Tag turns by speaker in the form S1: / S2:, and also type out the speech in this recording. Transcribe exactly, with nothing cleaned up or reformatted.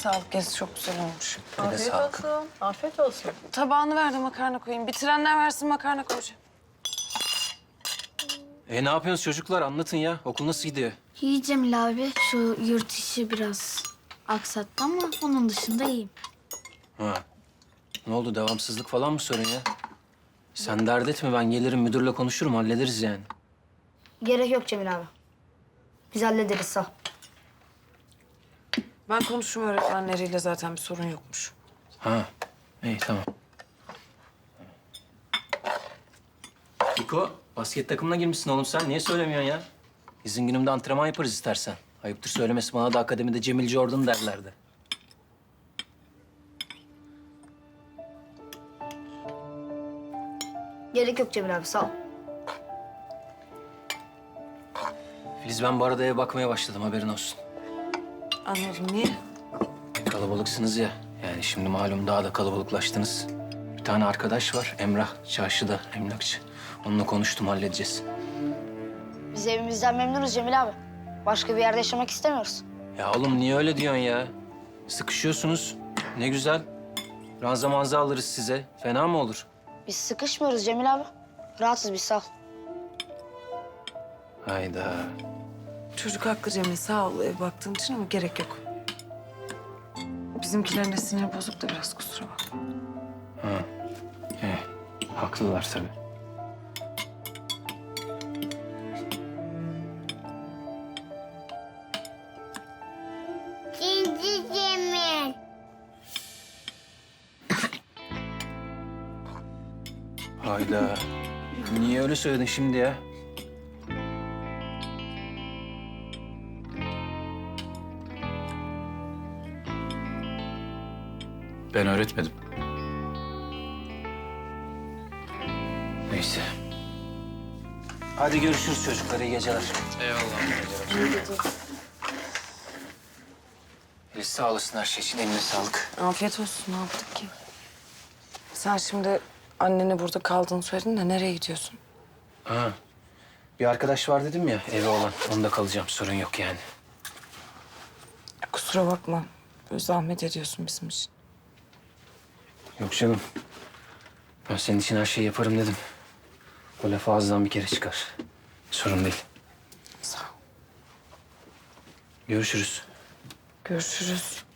S1: sağlık. Gezi çok güzel olmuş.
S2: Afiyet
S3: sağlık.
S2: olsun. Afiyet olsun.
S1: Tabağını ver de makarna koyayım. Bitirenler versin makarna koyacağım.
S3: E ne yapıyorsunuz çocuklar? Anlatın ya. Okul nasıl gidiyor?
S4: İyi Cemil abi. Şu yurt işi biraz aksattı ama onun dışında iyiyim.
S3: Ha. Ne oldu? Devamsızlık falan mı sorun ya? Sen dert etme. Ben gelirim müdürle konuşurum. Hallederiz yani.
S5: Gerek yok Cemil abi. Biz hallederiz sağ ol.
S1: Ben konuştum öğretmenleriyle, zaten bir sorun yokmuş.
S3: Ha. İyi tamam. Niko, basket takımına girmişsin oğlum sen. Niye söylemiyorsun ya? İzin günümde antrenman yaparız istersen. Ayıptır söylemesi, bana da akademide Cemil Jordan derlerdi.
S5: Gerek yok Cemil abi sağ ol.
S3: Filiz, ben bu arada eve bakmaya başladım, haberin olsun.
S1: Anladım. Niye?
S3: Kalabalıksınız ya. Yani şimdi malum daha da kalabalıklaştınız. Bir tane arkadaş var, Emrah. Çarşıda, emlakçı. Onunla konuştum, halledeceğiz.
S5: Biz evimizden memnunuz Cemil abi. Başka bir yerde yaşamak istemiyoruz.
S3: Ya oğlum niye öyle diyorsun ya? Sıkışıyorsunuz. Ne güzel. Ranza manza alırız size. Fena mı olur?
S5: Biz sıkışmıyoruz Cemil abi. Rahatız biz sağ ol.
S3: Hayda.
S1: Çocuk haklı Cemil. Sağ ol ev baktığın için ama gerek yok. Bizimkilerin de siniri bozuk da biraz, kusura bakma.
S3: He, haklılar tabii.
S4: Cici Cemil.
S3: Hayda. Niye öyle söyledin şimdi ya?
S6: Ben öğretmedim.
S3: Neyse. Hadi görüşürüz çocuklar, iyi geceler.
S6: Eyvallah.
S3: Filiz, sağ olasın her şey için, eline sağlık.
S1: Afiyet olsun. Ne yaptık ki? Sen şimdi annene burada kaldığını söyledin de nereye gidiyorsun?
S3: Ha. Bir arkadaş var dedim ya, evi olan. Onda kalacağım, sorun yok yani.
S1: Ya kusura bakma. Böyle zahmet ediyorsun bizim için.
S3: Yok canım. Ben senin için her şeyi yaparım dedim. O laf ağızdan bir kere çıkar. Sorun değil.
S1: Sağ ol.
S3: Görüşürüz.
S1: Görüşürüz.